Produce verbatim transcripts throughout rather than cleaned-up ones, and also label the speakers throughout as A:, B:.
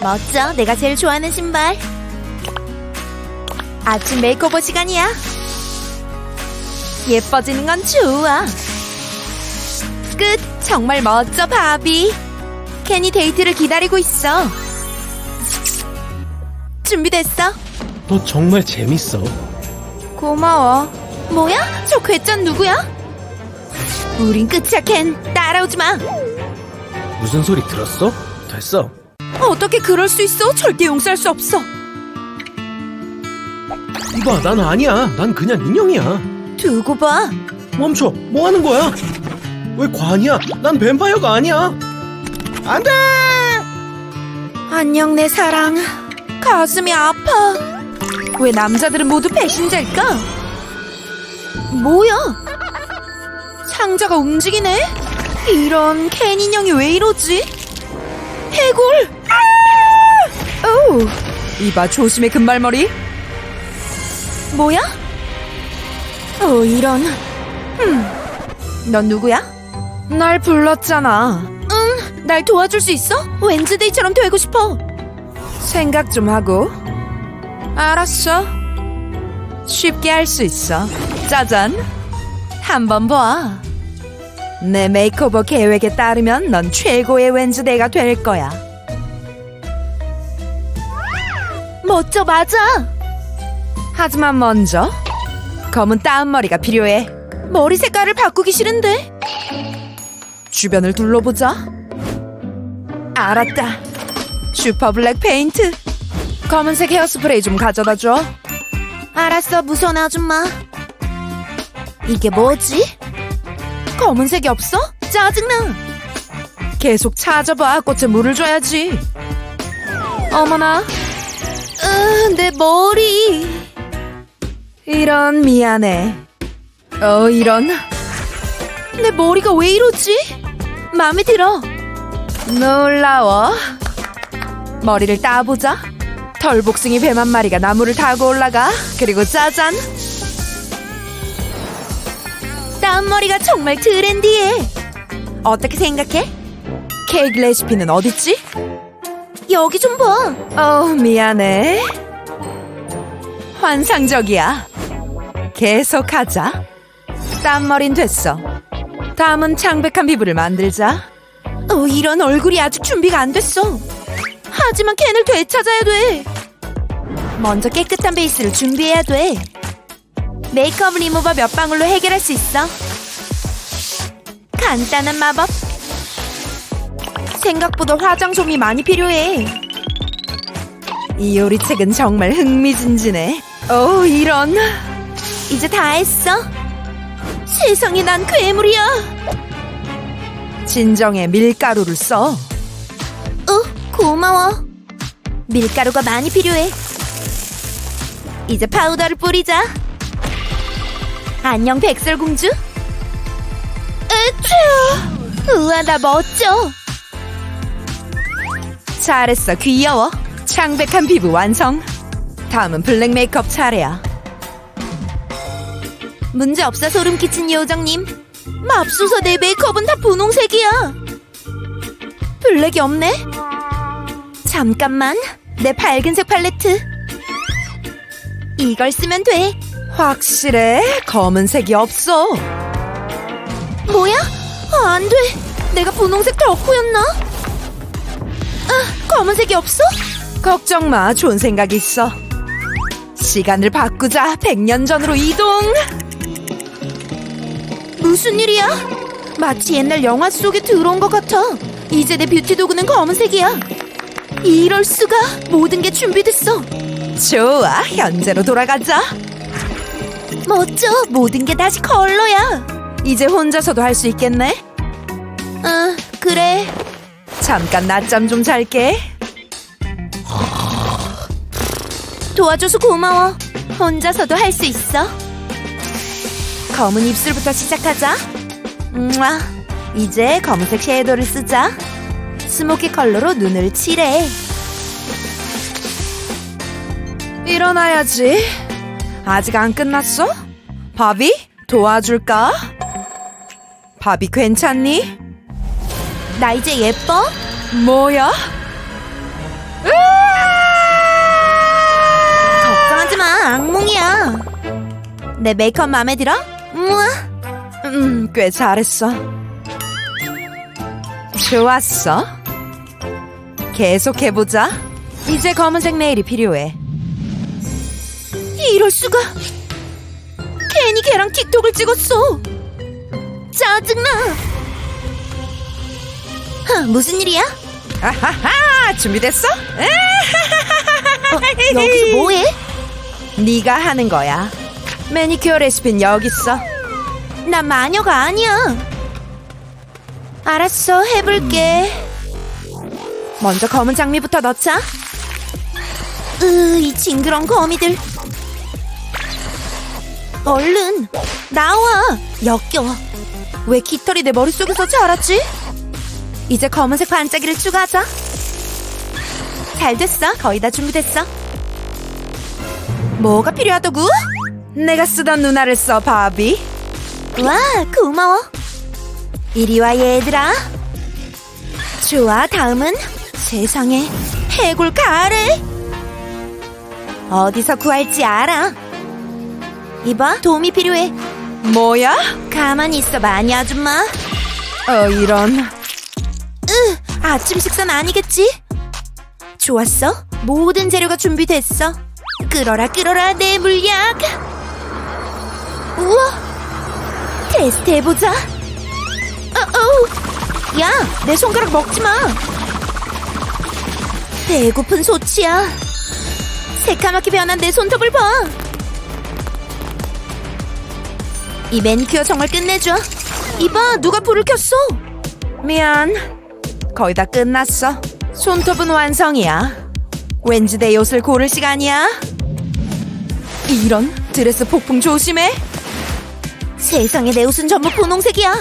A: 멋져. 내가 제일 좋아하는 신발. 아침 메이크오버 시간이야. 예뻐지는 건 좋아. 끝. 정말 멋져, 바비. 켄이 데이트를 기다리고 있어. 준비됐어?
B: 너 정말 재밌어.
A: 고마워. 뭐야? 저 괴짠 누구야? 우린 끝이야, 켄. 따라오지 마.
B: 무슨 소리 들었어? 됐어.
A: 어떻게 그럴 수 있어? 절대 용서할 수 없어.
B: 이봐, 난 아니야. 난 그냥 인형이야.
A: 두고 봐.
B: 멈춰. 뭐 하는 거야? 왜 관이야? 난 뱀파이어가 아니야. 안 돼!
A: 안녕, 내 사랑. 가슴이 아파. 왜 남자들은 모두 배신자일까? 뭐야? 상자가 움직이네? 이런 캔 인형이 왜 이러지? 해골! 아! 오, 이봐, 조심해, 금발머리. 뭐야? 어, 이런. 음, 넌 누구야? 날 불렀잖아. 응, 날 도와줄 수 있어? 웬즈데이처럼 되고 싶어. 생각 좀 하고. 알았어. 쉽게 할 수 있어. 짜잔. 한번 봐. 내 메이크오버 계획에 따르면 넌 최고의 웬즈데이가 될 거야. 멋져, 맞아. 하지만 먼저 검은 따은머리가 필요해. 머리 색깔을 바꾸기 싫은데. 주변을 둘러보자. 알았다. 슈퍼 블랙 페인트. 검은색 헤어스프레이 좀 가져다 줘. 알았어, 무서운 아줌마. 이게 뭐지? 검은색이 없어? 짜증나. 계속 찾아봐. 꽃에 물을 줘야지. 어머나. 으, 내 머리. 이런, 미안해. 어, 이런. 내 머리가 왜 이러지? 마음에 들어. 놀라워. 머리를 따보자. 털복숭이 뱀 한 마리가 나무를 타고 올라가. 그리고 짜잔. 따은 머리가 정말 트렌디해. 어떻게 생각해? 케이크 레시피는 어딨지? 여기 좀 봐. 어, 미안해. 환상적이야. 계속하자. 딴 머린 됐어. 다음은 창백한 피부를 만들자. 어, 이런, 얼굴이 아직 준비가 안 됐어. 하지만 캔을 되찾아야 돼. 먼저 깨끗한 베이스를 준비해야 돼. 메이크업 리무버 몇 방울로 해결할 수 있어. 간단한 마법. 생각보다 화장솜이 많이 필요해. 이 요리책은 정말 흥미진진해. 오, 이런. 이제 다 했어. 세상에, 난 괴물이야. 진정해. 밀가루를 써. 어, 고마워. 밀가루가 많이 필요해. 이제 파우더를 뿌리자. 안녕, 백설공주. 으쭈. 우와, 나 멋져. 잘했어, 귀여워. 창백한 피부 완성. 다음은 블랙 메이크업 차례야. 문제없어, 소름 끼친 요정님. 맙소사, 내 메이크업은 다 분홍색이야. 블랙이 없네? 잠깐만. 내 밝은색 팔레트. 이걸 쓰면 돼. 확실해? 검은색이 없어. 뭐야? 아, 안 돼. 내가 분홍색 덕후였나? 아, 검은색이 없어? 걱정 마. 좋은 생각 있어. 시간을 바꾸자. 백 년 전으로 이동. 무슨 일이야? 마치 옛날 영화 속에 들어온 것 같아. 이제 내 뷰티 도구는 검은색이야. 이럴 수가. 모든 게 준비됐어. 좋아, 현재로 돌아가자. 멋져. 모든 게 다시 컬러야. 이제 혼자서도 할 수 있겠네. 아, 그래. 잠깐 낮잠 좀 잘게. 도와줘서 고마워. 혼자서도 할 수 있어. 검은 입술부터 시작하자. 음아. 이제 검은색 섀도우를 쓰자. 스모키 컬러로 눈을 칠해. 일어나야지. 아직 안 끝났어? 바비? 도와줄까? 바비 괜찮니? 나 이제 예뻐? 뭐야? 으아! 내 메이크업 마음에 들어? 우와.
C: 음, 꽤 잘했어. 좋았어. 계속해보자. 이제 검은색 네일이 필요해.
A: 이럴 수가. 괜히 걔랑 틱톡을 찍었어. 짜증나. 하, 무슨 일이야?
C: 아하하! 준비됐어?
A: 어, 여기서 뭐해?
C: 네가 하는 거야. 매니큐어 레시피는 여기 있어.
A: 난 마녀가 아니야. 알았어, 해볼게.
C: 먼저 검은 장미부터 넣자.
A: 으, 이 징그러운 거미들. 얼른 나와. 역겨워. 왜 깃털이 내 머릿속에서 자랐지? 이제 검은색 반짝이를 추가하자. 잘 됐어. 거의 다 준비됐어. 뭐가 필요하다고?
C: 내가 쓰던 누나를 써, 바비.
A: 와, 고마워. 이리 와, 얘들아. 좋아, 다음은 세상에 해골 가래. 어디서 구할지 알아. 이봐, 도움이 필요해.
C: 뭐야?
A: 가만히 있어, 마녀 아줌마.
C: 어, 이런.
A: 으, 아침 식사는 아니겠지? 좋았어. 모든 재료가 준비됐어. 끌어라, 끌어라, 내 물약. 우와, 테스트 해보자. 어어, 야, 내 손가락 먹지 마. 배고픈 소치야. 새까맣게 변한 내 손톱을 봐. 이 매니큐어 정말 끝내줘. 이봐, 누가 불을 켰어.
C: 미안. 거의 다 끝났어. 손톱은 완성이야. 왠지 내 옷을 고를 시간이야. 이런, 드레스 폭풍 조심해.
A: 세상에, 내 옷은 전부 분홍색이야.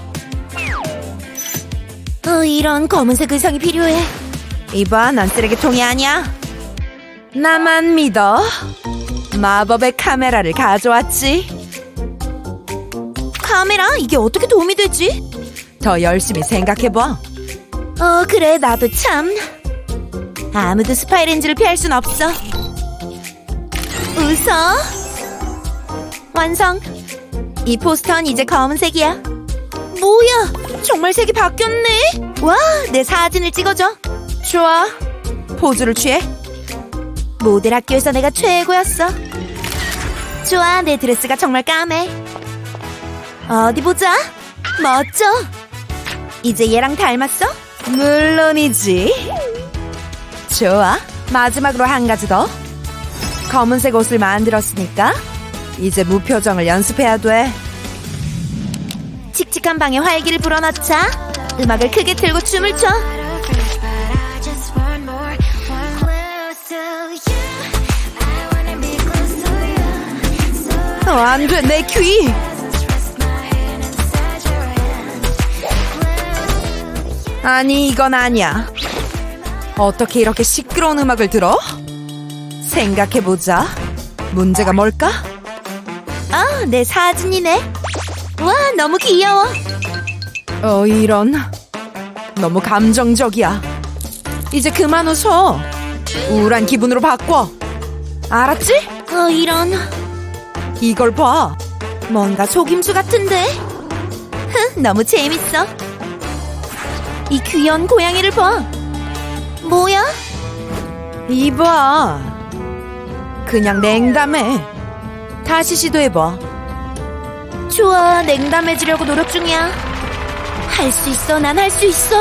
A: 어, 이런 검은색 의상이 필요해.
C: 이봐, 난 쓰레기통이 아니야. 나만 믿어. 마법의 카메라를 가져왔지.
A: 카메라? 이게 어떻게 도움이 되지?
C: 더 열심히 생각해봐.
A: 어, 그래, 나도 참. 아무도 스파이 렌즈를 피할 순 없어. 웃어. 완성. 이 포스터는 이제 검은색이야. 뭐야, 정말 색이 바뀌었네. 와, 내 사진을 찍어줘.
C: 좋아. 포즈를 취해.
A: 모델 학교에서 내가 최고였어. 좋아, 내 드레스가 정말 까매. 어디 보자. 멋져. 이제 얘랑 닮았어?
C: 물론이지. 좋아. 마지막으로 한 가지 더. 검은색 옷을 만들었으니까 이제 무표정을 연습해야 돼.
A: 칙칙한 방에 활기를 불어넣자. 음악을 크게 틀고 춤을 춰.
C: 어, 안 돼, 내 귀. 아니, 이건 아니야. 어떻게 이렇게 시끄러운 음악을 들어? 생각해보자. 문제가 뭘까?
A: 아, 내 사진이네. 와, 너무 귀여워.
C: 어, 이런. 너무 감정적이야. 이제 그만 웃어. 우울한 기분으로 바꿔. 알았지?
A: 어, 이런.
C: 이걸 봐.
A: 뭔가 속임수 같은데? 흥, 너무 재밌어. 이 귀여운 고양이를 봐. 뭐야?
C: 이봐. 그냥 냉담해. 다시 시도해봐.
A: 좋아, 냉담해지려고 노력 중이야. 할 수 있어, 난 할 수 있어.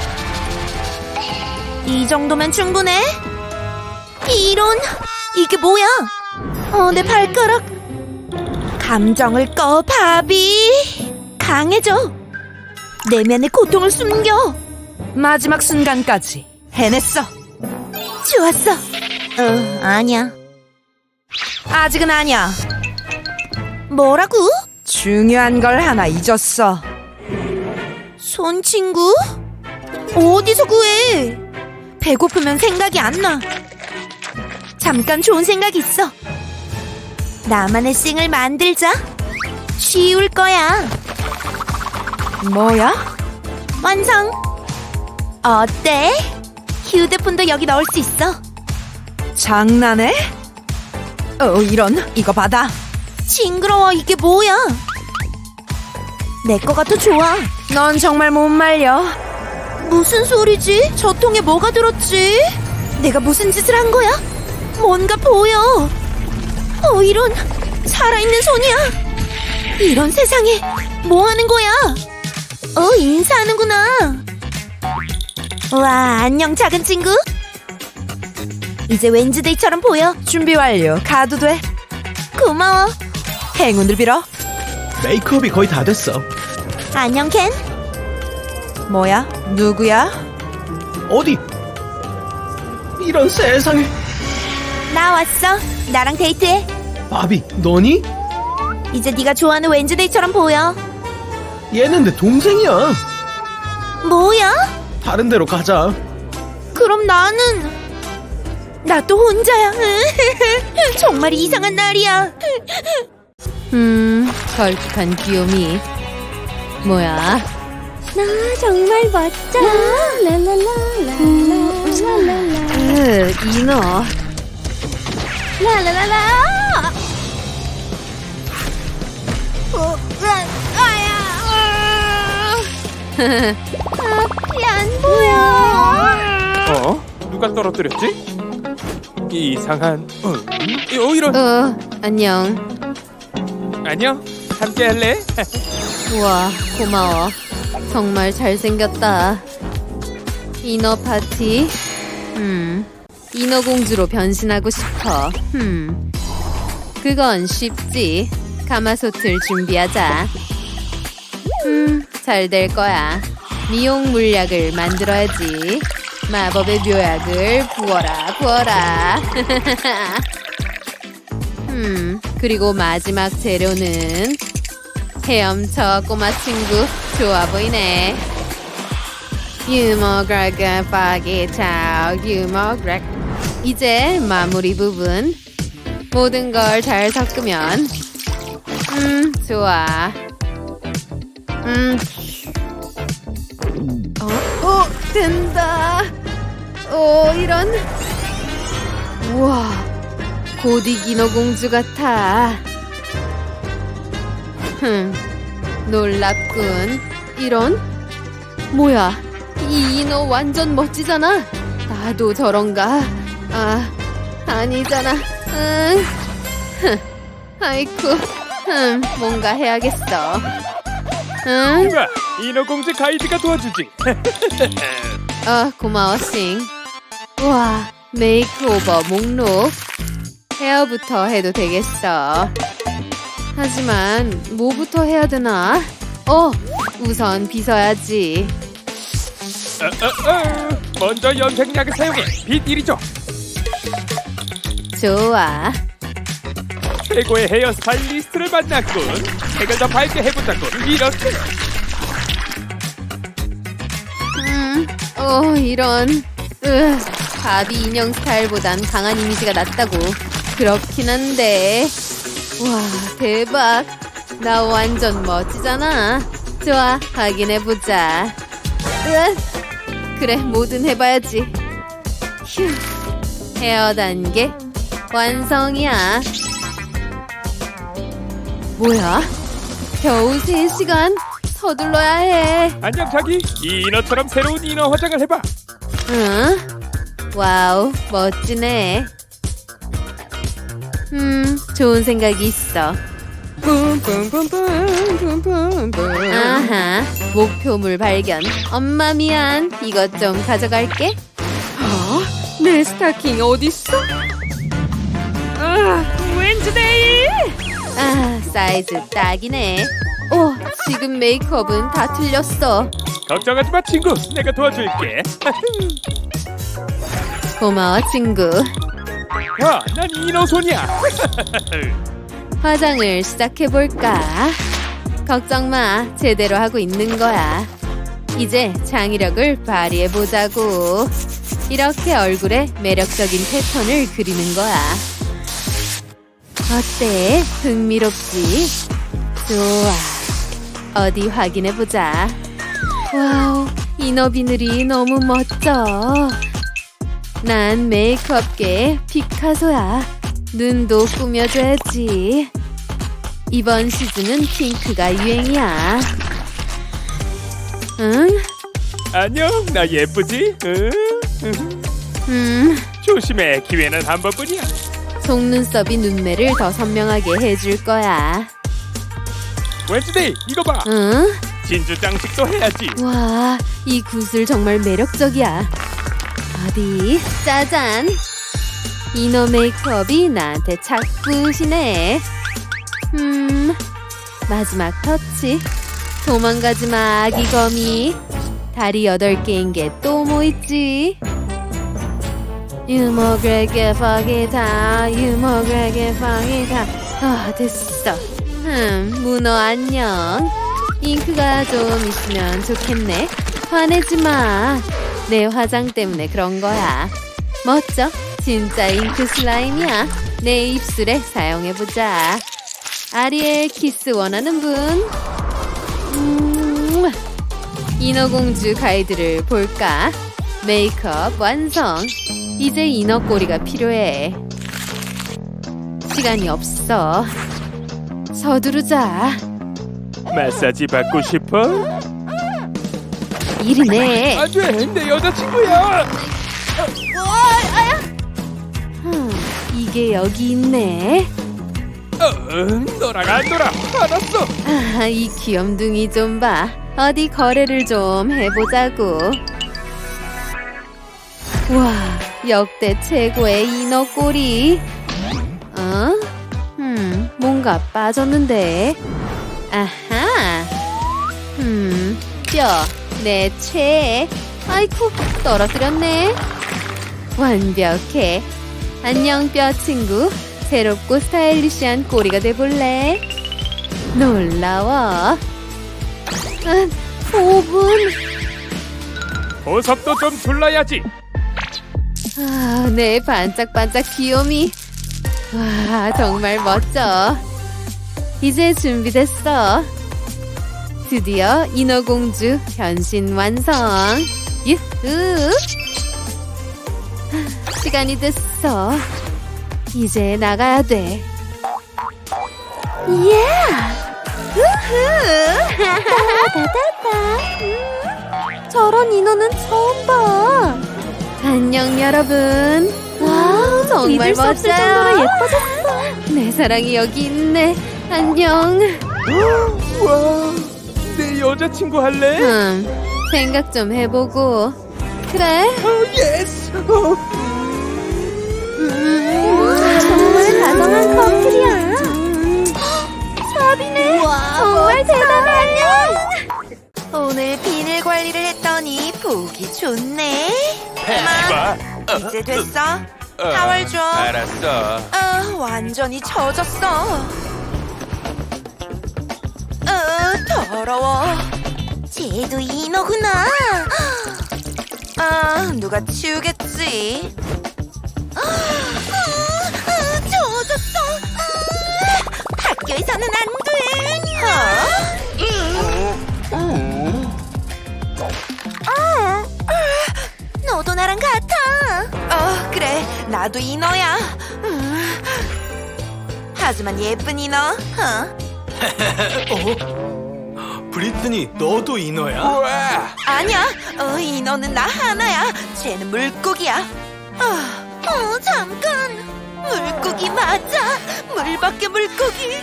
A: 이 정도면 충분해. 이런, 이게 뭐야? 어, 내 발가락. 감정을 꺼, 바비. 강해져. 내면의 고통을 숨겨.
C: 마지막 순간까지 해냈어.
A: 좋았어. 어, 아니야.
C: 아직은 아니야.
A: 뭐라고?
C: 중요한 걸 하나 잊었어.
A: 손 친구? 어디서 구해? 배고프면 생각이 안 나. 잠깐 좋은 생각이 있어. 나만의 싱을 만들자. 쉬울 거야.
C: 뭐야?
A: 완성. 어때? 휴대폰도 여기 넣을 수 있어.
C: 장난해? 어, 이런. 이거 받아.
A: 징그러워. 이게 뭐야? 내 거가 더 좋아.
C: 넌 정말 못 말려.
A: 무슨 소리지? 저 통에 뭐가 들었지? 내가 무슨 짓을 한 거야? 뭔가 보여. 어, 이런 살아있는 손이야. 이런 세상에 뭐 하는 거야? 어, 인사하는구나. 와, 안녕 작은 친구. 이제 웬즈데이처럼 보여.
C: 준비 완료. 가도 돼.
A: 고마워.
C: 행운을 빌어.
B: 메이크업이 거의 다 됐어.
A: 안녕 켄.
C: 뭐야? 누구야?
B: 어디? 이런 세상에.
A: 나 왔어. 나랑 데이트해.
B: 바비, 너니?
A: 이제 네가 좋아하는 웬즈데이처럼 보여.
B: 얘는 내 동생이야.
A: 뭐야?
B: 다른 데로 가자.
A: 그럼 나는 나 또 혼자야. 정말 이상한 날이야.
D: 음, 걸쭉한 귀요미. 뭐야?
A: 나 정말 멋져.
D: 으, 이너.
A: 라라라라. 어, 아야. 앞이 안 보여.
E: 어? 누가 떨어뜨렸지? 이상한. 어, 어 이런.
D: 어, 안녕.
E: 안녕. 함께 할래?
D: 우와, 고마워. 정말 잘생겼다. 이너 파티? 음, 이너 공주로 변신하고 싶어. 음, 그건 쉽지. 가마솥을 준비하자. 음, 잘 될 거야. 미용 물약을 만들어야지. 마법의 묘약을 부어라, 부어라. 음, 그리고 마지막 재료는 헤엄쳐 꼬마 친구. 좋아 보이네. 유머그라가 파기차오 유머그라. 이제 마무리 부분. 모든 걸 잘 섞으면 음, 좋아. 음. 어, 어, 된다. 오, 이런. 우와, 고디기노 공주 같아. 흠, 놀랍군. 이런? 뭐야, 이 인어 완전 멋지잖아. 나도 저런가? 아, 아니잖아. 응. 흠, 아이쿠. 흠, 뭔가 해야겠어. 응?
E: 이봐, 인어공주 가이드가 도와주지.
D: 아, 고마워, 싱. 우와, 메이크오버 목록. 헤어부터 해도 되겠어. 하지만 뭐부터 해야 되나? 어, 우선 빗어야지.
E: 어, 어, 어. 먼저 염색약을 사용해. 빛 이리 줘.
D: 좋아.
E: 최고의 헤어 스타일리스트를 만났군. 색을 더 밝게 해보자고. 이렇게.
D: 음, 어, 이런. 으, 바비 인형 스타일보단 강한 이미지가 낫다고. 그렇긴 한데. 와, 대박. 나 완전 멋지잖아. 좋아, 확인해보자. 으, 그래, 뭐든 해봐야지. 휴, 헤어 단계 완성이야. 뭐야? 겨우 세 시간? 서둘러야 해.
E: 안녕 자기. 이 인어처럼 새로운 인어 화장을 해봐.
D: 응? 와우, 멋지네. 음, 좋은 생각이 있어. 아하, 목표물 발견. 엄마 미안. 이것 좀 가져갈게. 어? 내 스타킹 어딨어? 아, 웬즈데이! 아, 사이즈 딱이네. 오, 지금 메이크업은 다 틀렸어.
E: 걱정하지 마 친구. 내가 도와줄게.
D: 고마워, 친구.
E: 야, 난 인어손이야.
D: 화장을 시작해볼까? 걱정 마, 제대로 하고 있는 거야. 이제 창의력을 발휘해보자고. 이렇게 얼굴에 매력적인 패턴을 그리는 거야. 어때? 흥미롭지? 좋아. 어디 확인해보자. 와우, 이너 비늘이 너무 멋져. 난 메이크업계 피카소야. 눈도 꾸며줘야지. 이번 시즌은 핑크가 유행이야. 응?
E: 안녕, 나 예쁘지? 응? 응.
D: 음,
E: 조심해, 기회는 한 번뿐이야.
D: 속눈썹이 눈매를 더 선명하게 해줄 거야.
E: 웬즈데이, 이거 봐.
D: 응?
E: 진주 장식도 해야지.
D: 와, 이 구슬 정말 매력적이야. 어디? 짜잔! 이너 메이크업이 나한테 착붙이네. 음, 마지막 터치. 도망가지 마, 아기 거미. 다리 여덟 개인 게 또 뭐 있지? 유머그레게 파기다, 유머그레게 파기다. 아, 됐어. 음, 문어 안녕. 잉크가 좀 있으면 좋겠네. 화내지 마. 내 화장 때문에 그런 거야. 멋져. 진짜 잉크 슬라임이야. 내 입술에 사용해보자. 아리엘 키스 원하는 분? 음, 인어공주 가이드를 볼까? 메이크업 완성. 이제 인어꼬리가 필요해. 시간이 없어. 서두르자.
E: 마사지 받고 싶어?
D: 이리네.
E: 안 돼, 내 여자친구야.
D: 흠, 이게 여기 있네.
E: 어, 너랑 안 놀아. 알았어.
D: 아, 이 귀염둥이 좀 봐. 어디 거래를 좀 해보자고. 와, 역대 최고의 인어꼬리. 어? 음, 뭔가 빠졌는데. 아하. 음, 뼈, 내 최애. 아이쿠, 떨어뜨렸네. 완벽해. 안녕, 뼈 친구. 새롭고 스타일리시한 꼬리가 돼볼래? 놀라워. 아, 오 분.
E: 보석도 좀 둘러야지.
D: 아, 내 반짝반짝 귀요미. 와, 정말 멋져. 이제 준비됐어. 드디어 인어공주 변신 완성. 유후. 시간이 됐어. 이제 나가야 돼. 예! 우후! 따다다다. 음, 저런 인어는 처음 봐. 안녕 여러분. 와, 정말
A: 믿을 수 없을
D: 멋져요.
A: 정도로
D: 예뻐졌어. 내 사랑이 여기 있네. 안녕.
E: 와, 내 여자친구 할래?
D: 음, 생각 좀 해보고. 그래.
E: 어, 예스. 어.
A: 정말 다정한 커플이야. sab이네. 정말 대단하네. 오늘 비늘 관리를 했더니 보기 좋네.
E: 해봐.
A: 이제 됐어? 타월 줘.
E: 알았어.
A: 아, 완전히 젖었어. 어, 더러워. 쟤도 인어구나. 아, 누가 치우겠지. 아, 아, 젖었어. 아, 학교에서는 안 돼. 어? 아, 너도 나랑 같아. 어, 그래. 나도 인어야. 음. 하지만 예쁜 인어. 어?
B: 어? 브리트니, 너도 인어야?
E: 우와.
A: 아니야. 어, 인어는 나 하나야. 쟤는 물고기야. 어, 어, 잠깐. 물고기 맞아. 물 밖에 물고기.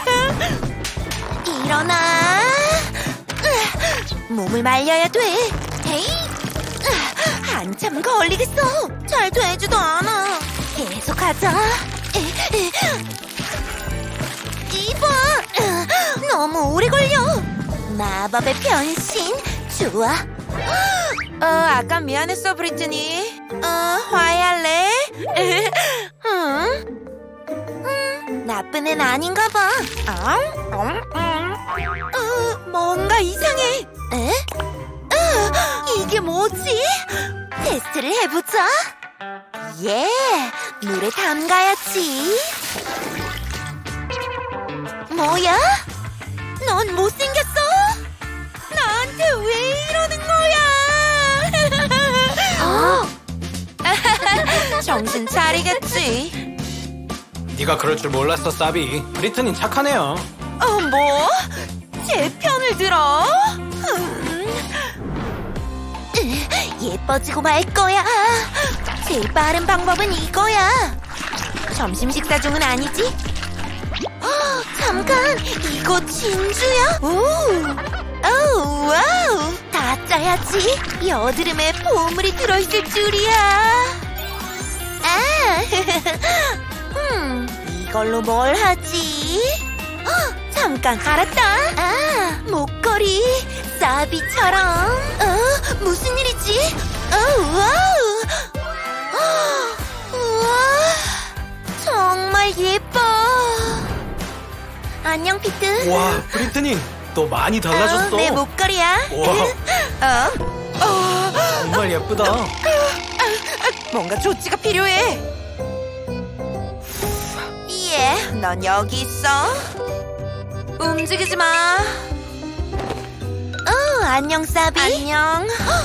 A: 일어나. 으, 몸을 말려야 돼. 에이. 으, 한참 걸리겠어. 잘 되지도 않아. 계속하자. 에, 에. 이봐. 으, 너무 오래 걸려. 마법의 변신. 좋아. 어, 아까 미안했어, 브리트니. 어, 화해할래? 응? 음, 나쁜 애는 아닌가 봐. 어? 어? 어, 뭔가 이상해. 에? 어, 이게 뭐지? 테스트를 해보자. 예, 물에 담가야지. 뭐야? 넌 못생겼어? 나한테 왜 이러는 거야? 정신 차리겠지.
B: 네가 그럴 줄 몰랐어, 사비. 브리트니 착하네요.
A: 어, 뭐? 제 편을 들어? 음. 으, 예뻐지고 말 거야. 제일 빠른 방법은 이거야. 점심 식사 중은 아니지? 어, 잠깐, 이거 진주야? 오, 오, 와우, 다 짜야지. 여드름에 보물이 들어있을 줄이야. 아, 음, 이걸로 뭘 하지? 어, 잠깐, 알았다. 아, 목걸이, 사비처럼. 어, 무슨 일이지? 어, 와우. 어, 우와, 정말 예뻐. 안녕, 피트.
B: 와, 브리트니, 너 많이 달라졌어.
A: 어, 내 목걸이야.
B: 와,
A: 어,
B: 정말 예쁘다.
A: 뭔가 조치가 필요해. 예, 넌 여기 있어. 움직이지 마. 어, 안녕, 사비. 안녕.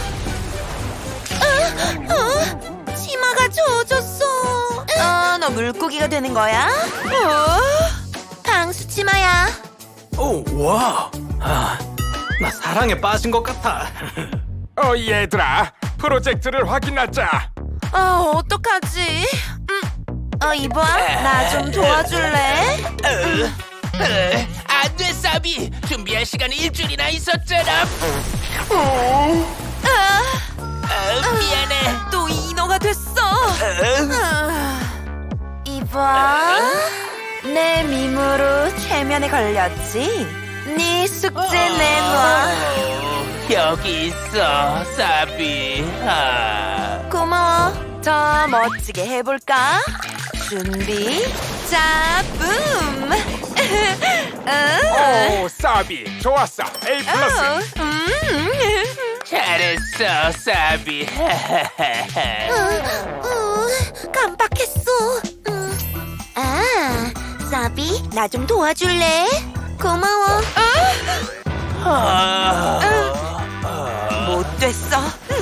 A: 어, 어, 치마가 젖었어. 어, 너 물고기가 되는 거야? 어, 방수 치마야.
B: 오, 와. 아, 나 사랑에 빠진 것 같아.
E: 어 얘들아, 프로젝트를 확인하자.
A: 어, 어떡하지? 음, 어, 이봐, 나 좀 도와줄래?
F: 안 돼, 사비. 준비할 시간이 일주일이나 있었잖아.
A: 아,
F: 어, 미안해.
A: 또 인어가 됐어. 아, 이봐, 내 밈으로 최면에 걸렸지. 네 숙제 내놔.
F: 여기 있어, 사비. 아.
A: 고마워. 더 멋지게 해볼까? 준비, 자, 붐. 어,
E: 오 사비, 좋았어. A 플러스.
A: 어, 음.
F: 잘했어, 사비.
A: 어, 어, 깜빡했어. 음. 아, 사비, 나 좀 도와줄래? 고마워.
F: 아.
A: 못 됐어.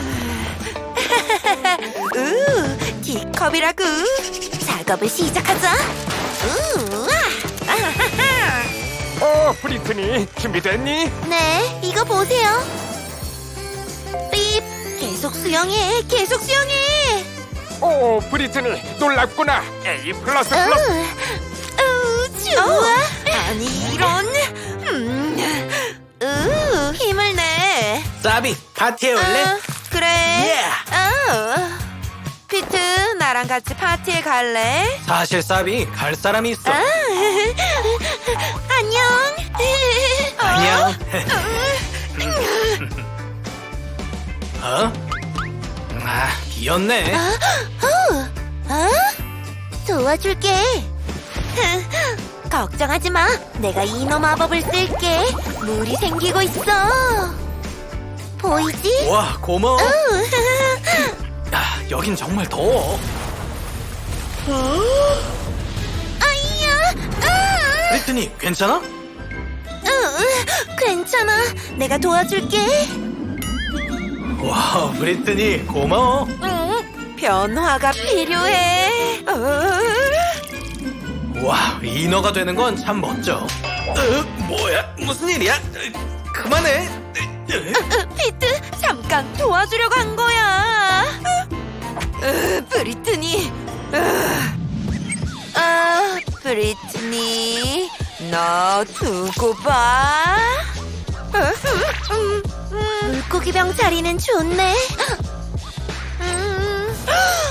A: 우, 티컵이라고. 작업을 시작하자. 우, 아하하.
E: 오 브리트니, 준비됐니?
A: 네, 이거 보세요. 삐, 계속 수영해, 계속 수영해.
E: 오 브리트니, 놀랍구나. A 플러스 플러스.
A: 우, 좋아. 아니 이런. 음, 우, 힘을 내.
B: 사비, 파티에 올래?
A: 어, 그래.
B: 예.
A: 어. 피트, 나랑 같이 파티에 갈래?
B: 사실 사비, 갈 사람이 있어.
A: 아, 안녕.
B: 안녕. 어? 아, 비었네.
A: 어? 어? 도와줄게. 걱정하지 마. 내가 인어 마법을 쓸게. 물이 생기고 있어. 보이지?
B: 와, 고마워.
A: 어.
B: 야, 여긴 정말 더워.
A: 아이야. 아.
B: 브리트니, 괜찮아?
A: 어, 괜찮아. 내가 도와줄게.
B: 와, 브리트니, 고마워.
A: 응, 변화가 필요해. 어.
B: 와, 인어가 되는 건 참 멋져. 어, 뭐야? 무슨 일이야? 어, 그만해.
A: 어, 피트, 잠깐 도와주려고 한 거야. 어, 브리트니. 어, 아, 브리트니, 너 두고 봐. 어, 음, 음, 물고기병 자리는 좋네. 음,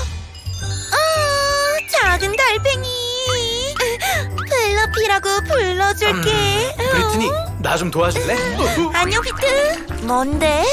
A: 아, 작은 달팽이. 플러피라고 불러줄게.
B: 음, 브리트니, 나 좀 도와줄래?
A: 안녕, 피트. 뭔데?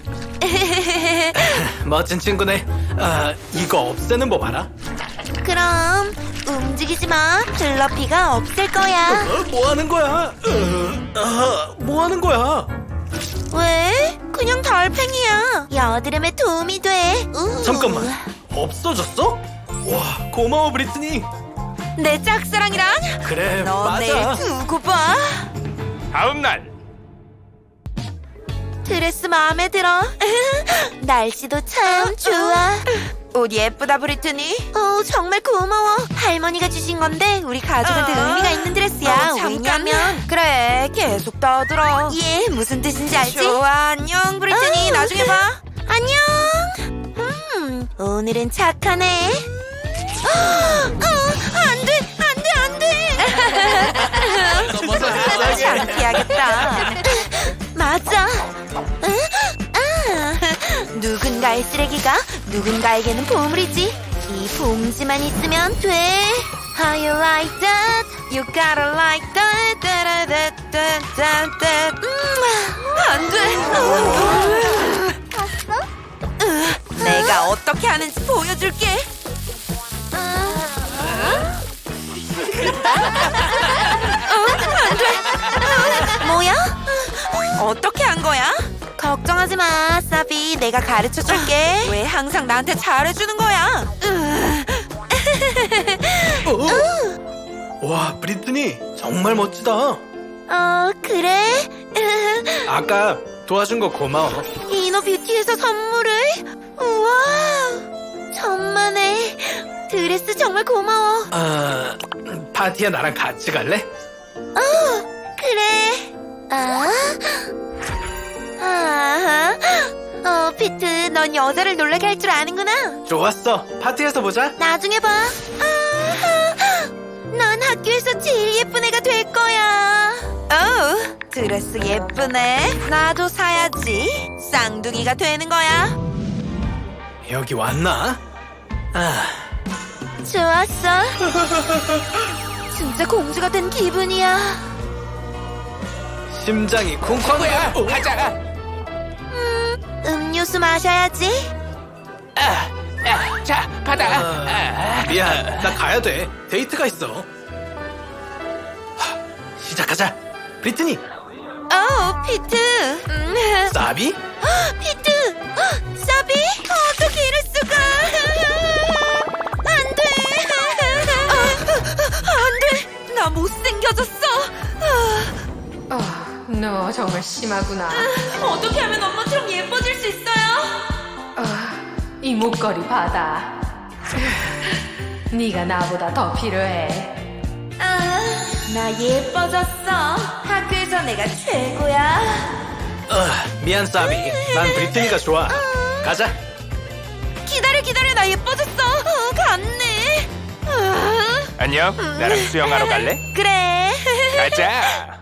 B: 멋진 친구네. 아, 이거 없애는 법 알아?
A: 그럼 움직이지 마. 플러피가 없을 거야.
B: 어, 뭐 하는 거야? 어, 아, 뭐 하는 거야?
A: 왜? 그냥 달팽이야. 여드름에 도움이 돼. 우.
B: 잠깐만, 없어졌어? 와, 고마워 브리트니.
A: 내 짝사랑이랑
B: 그래,
A: 너 내일
B: 맞아.
A: 두고 봐.
E: 다음 날.
A: 드레스 마음에 들어. 날씨도 참 좋아.
C: 옷 예쁘다 브리트니.
A: 어, 정말 고마워. 할머니가 주신 건데 우리 가족한테
C: 어.
A: 의미가 있는 드레스야.
C: 어, 잠깐만.
A: 왜냐면
C: 그래 계속 떠들어.
A: 예, 무슨 뜻인지 알지?
C: 좋아 안녕 브리트니.
A: 어.
C: 나중에 봐.
A: 안녕. 음, 오늘은 착하네. 어, 안 돼, 안 돼, 안 돼.
C: 창피하겠다.
A: 맞아. 응? 아, 누군가의 쓰레기가 누군가에게는 보물이지. 이 봉지만 있으면 돼. How you like that?
C: You gotta like that. 따라따따따따. 안 돼. 내가 어떻게 하는지 보여줄게.
A: 뭐야?
C: 어떻게 한 거야?
A: 걱정하지 마, 사비. 내가 가르쳐 줄게.
C: 왜 항상 나한테 잘해주는 거야?
B: 어? 와, 브리트니 정말 멋지다.
A: 어, 그래?
B: 아까 도와준 거 고마워.
A: 이너 뷰티에서 선물을? 우와, 천만에. 드레스 정말 고마워.
B: 아, 파티에 나랑 같이 갈래?
A: 그래. 아, 아, 어, 피트, 넌 여자를 놀라게 할 줄 아는구나.
B: 좋았어. 파티에서 보자.
A: 나중에 봐. 아, 넌 학교에서 제일 예쁜 애가 될 거야.
C: 어우, 드레스 예쁘네. 나도 사야지. 쌍둥이가 되는 거야.
B: 여기 왔나? 아,
A: 좋았어. 진짜 공주가 된 기분이야.
B: 심장이 쿵쾅.
F: 뭐야?
B: 어?
F: 가자.
A: 음료수 마셔야지.
F: 아, 아, 자, 받아.
B: 아,
F: 아,
B: 미안, 나 가야 돼. 데이트가 있어. 하, 시작하자. 브리트니,
C: 어, 피트. 음.
B: 사비?
A: 피트! 사비? 어떻게 이럴 수가? 안 돼!
C: 안 돼. 나 못생겨졌어.
G: 어, 너 정말 심하구나.
C: 어떻게 하면 엄마처럼 예뻐질 수 있어요?
G: 어, 이 목걸이 받아. 네가 나보다 더 필요해.
C: 아, 나 예뻐졌어. 학교에서 내가 최고야.
B: 어, 미안, 사비. 난 브리트니가 좋아. 가자.
C: 기다려, 기다려. 나 예뻐졌어. 어, 갔네. 아,
E: 안녕. 나랑 수영하러 갈래?
C: 그래.
E: 가자.